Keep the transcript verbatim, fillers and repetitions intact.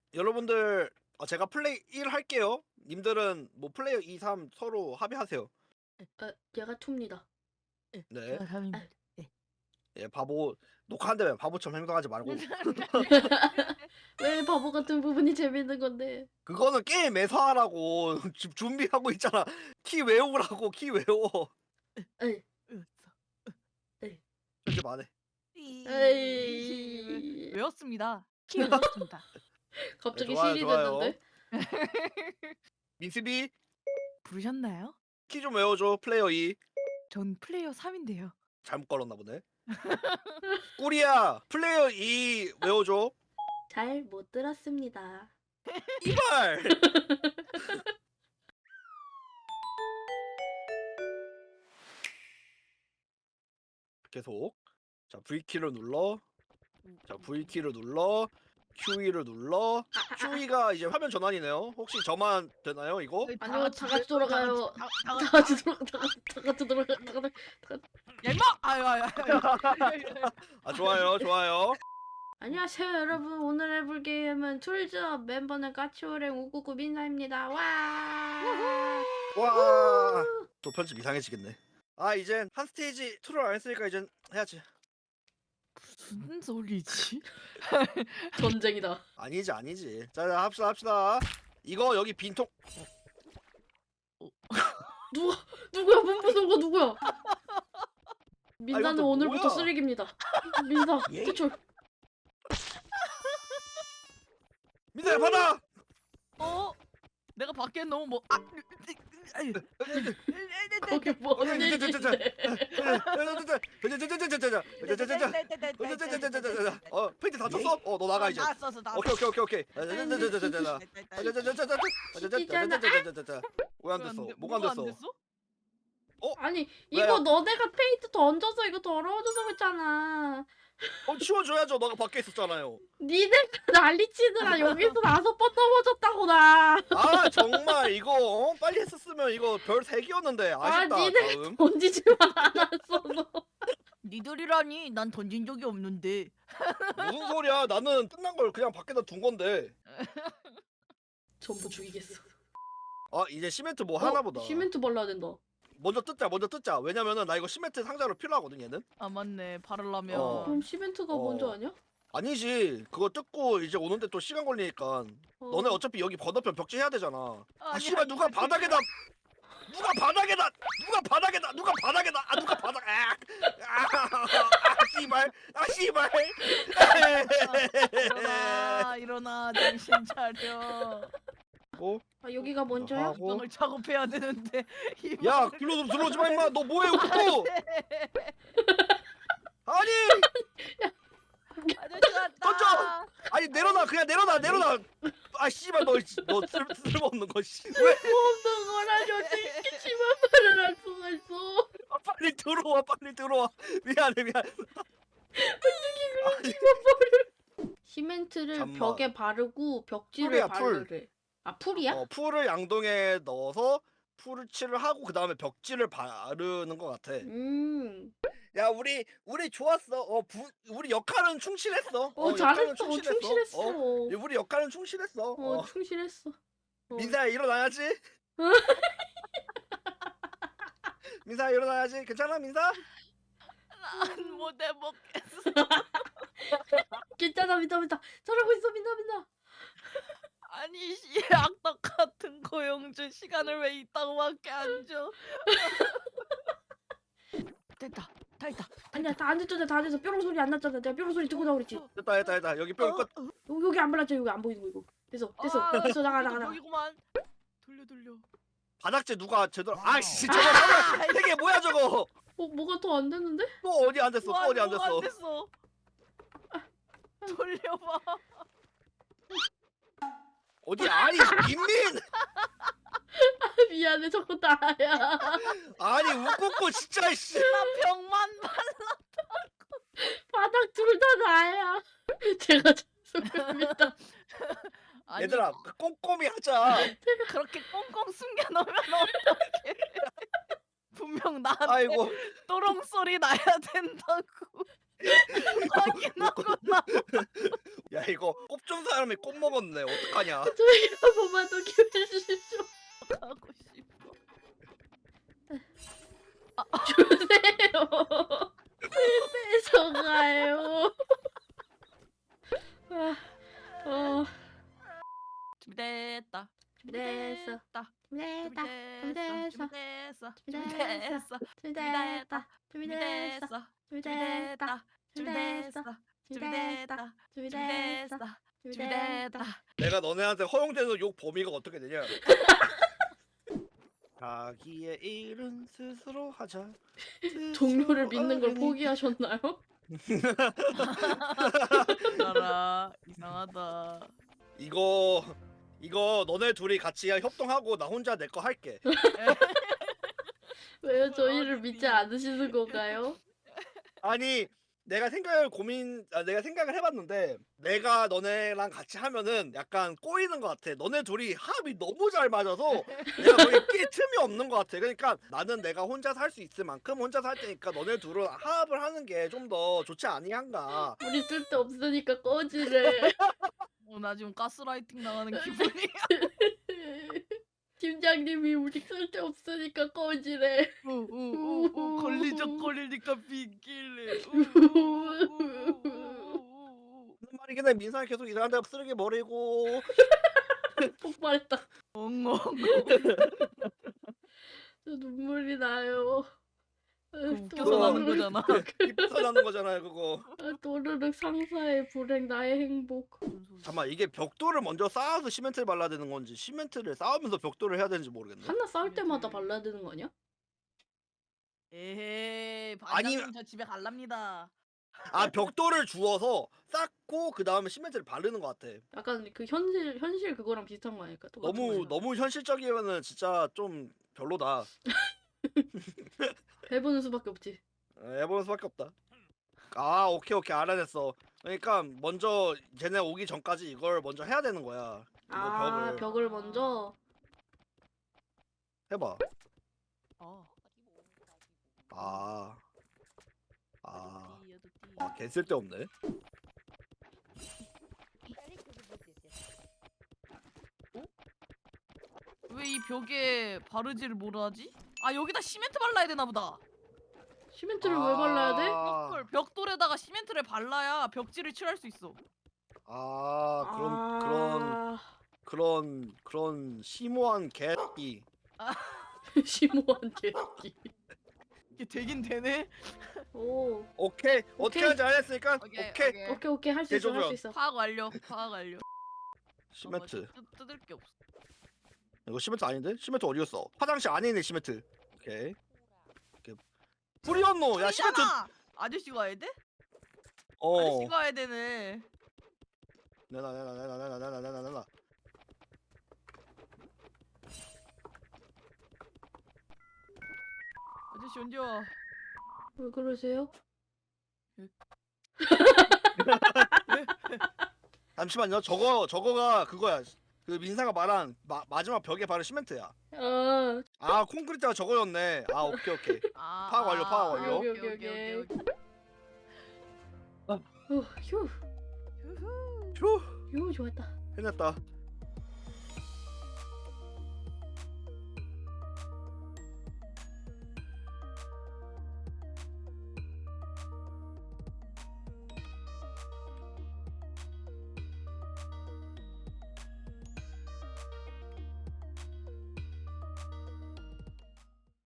여러분들 어, 제가 플레이 일 할게요. 님들은 뭐 플레이어 이, 삼 서로 합의하세요. 아, 얘가 투입니다. 예, 네. 제가 삼입니다. 예. 예, 바보 녹화한다면 바보처럼 행동하지 말고. 왜 바보 같은 부분이 재밌는 건데? 그거는 게임에서 하라고. 지금 준비하고 있잖아. 키 외우라고 키 외워. 에이, 으, 편집 안 해. 이- 에이. 외웠습니다. 키 외웠습니다. 갑자기 네, 좋아요, 실이 좋아요. 됐는데? 민스비 부르셨나요? 키 좀 외워줘. 플레이어 이. 전 플레이어 삼인데요. 잘못 걸었나 보네. 꾸리야 플레이어 이 외워줘. 잘 못 들었습니다. 이발. 계속. 자 V키를 눌러. 자 V키를 눌러. 큐이를 눌러. 큐이가 이제 화면 전환이네요. 혹시 저만 되나요 이거? 네, 아니요, 다 같이 돌아가요. 다 다 같이 같이 돌아가, 다 같이, 다 같이 돌아가, 다 같이. 야 임마! 아유 아유 아유. 아 좋아요 좋아요. 안녕하세요, 여러분. 오늘 해볼 게임은 툴즈업 멤버는 까치오랭 우구구 민사입니다. 와. 와. 또 편집 이상해지겠네. 아 이젠 한 스테이지 툴을 안 했으니까 이젠 해야지. 무슨 소리지? 전쟁이다. 아니지 아니지. 자, 자 합시다 합시다. 이거 여기 빈통. 누가 누구야? 문부선 거 누구야? 민사는 이것도 오늘부터 뭐야? 쓰레기입니다. 민사 예? 퇴출. 민서야 받아. 어? 내가 밖에 너무 뭐 아, 아유. 거기 뭔 어, 일인데? 어 페인트 다 쳤어? 어 너 나가 이제. 나 썼어 나. 오케이 오케이 오케이 오케이. 왜 안 됐어? 뭐가 안 됐어? 아니 왜요? 이거 너네가 페인트 던져서 이거 더러워져서 그렇잖아. 어 치워줘야죠. 너가 밖에 있었잖아요. 니네가 난리치느라 여기서 다섯 번 넘어졌다고 나. 아 정말 이거 어? 빨리 했었으면 이거 별 세 개였는데 아 아쉽다. 니네 다음. 던지지만 않았어 너. 니들이라니 난 던진 적이 없는데. 무슨 소리야? 나는 끝난 걸 그냥 밖에다 둔 건데. 전부 죽이겠어. 아 이제 시멘트 뭐 어, 하나 보다. 시멘트 발라야 된다. 먼저 뜯자 먼저 뜯자. 왜냐면은 나 이거 시멘트 상자로 필요하거든 얘는. 아 맞네 바르려면. 어. 그럼 시멘트가 어. 먼저 아니야? 아니지 그거 뜯고 이제 오는데 또 시간 걸리니까. 어. 너네 어차피 여기 건너편 벽지 해야 되잖아. 아 아니, 씨발 누가 바닥에다 누가 바닥에다 누가 바닥에다 누가 바닥에다 아 누가 바닥 아, 아, 아 씨발 아 씨발 일어나 일어나 정신 차려. 어? 아 여기가 먼저야? 하고. 방을 작업해야 되는데. 이 야 방을- 글로 좀 들어오지 마 임마 너 뭐해 웃고 아니 아저씨 왔다. 던져! 아니 내려놔 그냥 내려놔 내려놔 아 씨발 너너 쓸모없는 거 씨. 왜 없는 거라니 어떻게 이렇게 심한 말을 할 수가 있어? 아, 빨리 들어와 빨리 들어와 미안해 미안 시멘트를 잠만. 벽에 바르고 벽지를 풀이야, 풀. 바르래. 아 풀이야? 어, 풀을 양동에 넣어서 풀을 칠을 하고 그 다음에 벽지를 바르는 것 같아. 음. 야 우리 우리 좋았어. 어 부, 우리 역할은 충실했어. 어, 역할은 잘했어. 어, 충실했어. 어, 어, 우리 역할은 충실했어. 어. 충실했어. 어. 민사야 일어나야지. 민사야 일어나야지. 괜찮아 민사? 난 못해 먹겠어. 괜찮아 민다 민다. 잘하고 있어 민다 민다. 아니 씨 악덕 같은 고용주 시간을 왜 이따고밖에 안 줘? 됐다 다 했다. 아니야 다 안 됐잖아 다 안 돼서 뾰롱 소리 안 났잖아. 내가 뾰롱 소리 듣고 나오랬지 됐다 됐다 됐다. 여기 뼈 끝. 여기 여기 안 발랐죠 여기 안 보이는 거 이거. 됐어 됐어 아, 됐어 나가 나가 나가. 여기구만. 돌려 돌려. 바닥재 누가 제대로 아씨 저거 저거 되게 뭐야 저거. 어 뭐가 더 안 됐는데? 또 어디 안 됐어 또 와, 어디 안 너무 됐어. 됐어. 돌려봐. 어디 아니 김민 미안해 저거 나야. 아니 웃고 진짜 씨. 나 병만 봐. 바닥 둘 다 나야. 제가 죄송합니다. 아니, 얘들아 그 꼼꼼히 하자. 그렇게 꽁꽁 숨겨놓으면 어떡해. 분명 나한테 아이고 또롱 소리 나야 된다고. 확인하고 나 야 이거 꼽 준 사람이 꼽 먹었네. 어떡하냐? 저희 한 번만 더 기회 주십시오. 가고 싶어. 주세요. 뺏어가요. 아, 어, 준비됐다. 준비됐어. 준비됐다. 준비됐다. 준비됐어. 준비됐어. 준비됐어. 준비됐다. 준비됐다. 준비됐어. 준비됐다. 준비됐다. 준비됐어. 준비됐다. 준비됐다. 준비됐어. 준비됐다. 준비됐다. 내가 너네한테 허용되는 욕 범위가 어떻게 되냐? 자기의 일은 스스로 하자. 종료를 스스로 믿는 걸 어른이. 포기하셨나요? 나라 이상하다. 이거 이거 너네 둘이 같이 협동하고 나 혼자 내 거 할게. 왜요? 저희를 믿지 않으시는 건가요? 아니 내가 생각을 고민 아, 내가 생각을 해봤는데 내가 너네랑 같이 하면은 약간 꼬이는 것 같아. 너네 둘이 합이 너무 잘 맞아서 내가 거기 끼 틈이 없는 것 같아. 그러니까 나는 내가 혼자서 할 수 있을 만큼 혼자서 할 테니까 너네 둘은 합을 하는 게 좀 더 좋지 아니한가. 우리 쓸데 없으니까 꺼지래. 어, 나 지금 가스라이팅 당하는 기분이야. 팀장님이 우리 쓸데 없으니까 꺼지래. 우우우우 걸리적거리니까 비길래. 무슨 말이긴 해. 민상이 계속 이상한 데 쓰레기 버리고 폭발했다. 엉엉. 저 눈물이 나요. 아, 웃겨서 또- 나는 거잖아. 기뻐서 나는 거잖아요 그거. 아, 또르륵 상사의 불행 나의 행복. 잠깐만 이게 벽돌을 먼저 쌓아서 시멘트를 발라야 되는 건지 시멘트를 쌓으면서 벽돌을 해야 되는지 모르겠네. 하나 싸울 때마다 발라야 되는 거 아니야? 에헤이 아니- 반장님 저 집에 갈랍니다. 아 벽돌을 주워서 쌓고 그 다음에 시멘트를 바르는 것 같아. 약간 그 현실 현실 그거랑 비슷한 거 아닐까? 똑같은 너무 거니까. 너무 현실적이면은 진짜 좀 별로다. 해보는 수밖에 없지. 에, 해보는 수밖에 없다. 아 오케이 오케이 알아냈어. 그러니까 먼저 쟤네 오기 전까지 이걸 먼저 해야 되는 거야. 이거 아 벽을 벽을 먼저. 해봐. 어. 아. 아. 띠, 여도 띠. 아, 개 쓸데없네. 왜 이 벽에 바르지를 못하지? 아 여기다 시멘트 발라야 되나 보다. 시멘트를 왜 발라야 돼? 아, 벽돌, 벽돌에다가 시멘트를 발라야 벽지를 칠할 수 있어. 아 그런 그런 아... 그런 그런 심오한 개이. 심오한 개새끼. 이게 되긴 되네. 오. 오케이 어떻게 오케이. 하는지 알았으니까 오케이, 오케이, 오케이. 오케이 오케이 할 수 있어 할 수 개조전. 있어. 파악 완료. 파악 완료. 시멘트. 잠깐만, 뜯, 뜯을 게 없어. 이거 시멘트 아닌데? 시멘트 어디 갔어? 화장실 안에 있는 시멘트. 오케이. 오케이. 뿌리었노. 야 시멘트. 아니잖아! 아저씨가 해야 돼? 어. 아저씨가 해야 되네. 내놔 내놔 내놔 내놔 내놔 내놔 내놔. 아저씨 언제 와? 왜 그러세요? 잠시만요. 저거 저거가 그거야. 그 민사가 말한 마, 마지막 벽에 바른 시멘트야. 아, 아 콘크리트가 저거였네. 아 오케이 오케이. 아, 파악 완료, 파악 아, 완료. 오케이, 오케이, 오케이, 오케이, 오케이, 오케이. 어, 휴, 휴후. 휴 휴 좋았다. 해냈다.